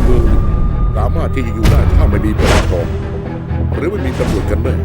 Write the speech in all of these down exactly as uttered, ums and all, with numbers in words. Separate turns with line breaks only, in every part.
มืองหนึ่ง
สามารถที่จะอยู่ได้ถ้าไม่มีประชากรหรือไม่มีตำรวจกันแน่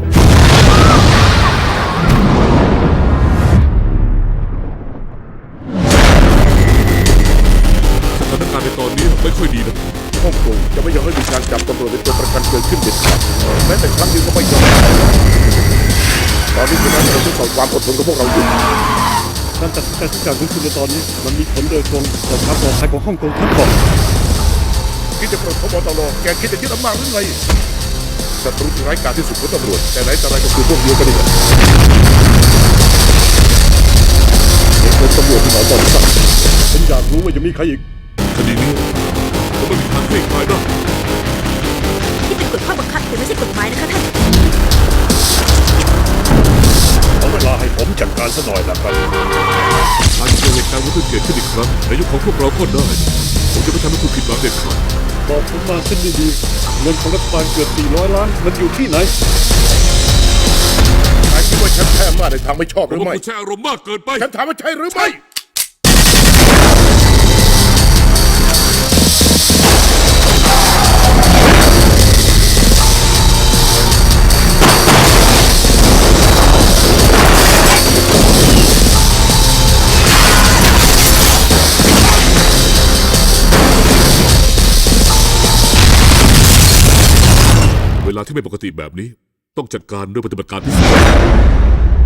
สถานการณ์ในตอนนี้ไม่ค่อยดีนะ
ฮ่องกงจะไม่ยอมให้มีการจับตำรวจเป็นตัวประกันเกิดขึ้นเด็ดขาดแม้แต่ครั้งเดียวก็ไม่ยอมตอนนี้คือการทดสอบความอดทนของพวกเราอยู่
การตัดสินใจทุกอย่างของคุณในตอนนี้มันมีผลโดยตรงต่อความปลอดภัยของฮ่องกงทั้งหมด
คิดจะปลดพบตรแกคิดจะยึดอำนาจหรือไงศัตรูที่ร้ายกาจที่สุดของตำรวจแต่ไหนแต่ไรก็คือพวกเดียวกันนี่แหละเด็กเป็นตำรวจที่หนอตอนสั่ง
ผมอยากรู้ว่ายังมีใครอีก
คดีนี้ผมไม่มีทางคลี่คลายได้
ที่เป็นกฎข้อบังคับแต่ไม่ใช่กฎหมายนะคะท่าน
เอาเวลาให้ผมจัดการซะหน่อยนะครับ
อาจจะเกิดเหตุการณ์ว่าเกิดขึ้นอีกครั้งในยุคของพวกเราก็ได้ผมจะไม่ทำให้คุณผิดหวังเด็ดขาด
บอกผมมาเส้นดีๆเงินของรัฐบาลเกือบสี่ร้อยล้านมันอยู่ที่ไหน
นายคิดว่าฉันแพ้อำนาจในทางไม่ชอบห
ผม
รือ
ว่า
ไม่
คุณใช้อารมณ์มากเกินไป
ฉันถามว่าใช่หรือไม่
เวลาที่ไม่ปกติแบบนี้ต้องจัดการด้วยปฏิบัติการพิเศษ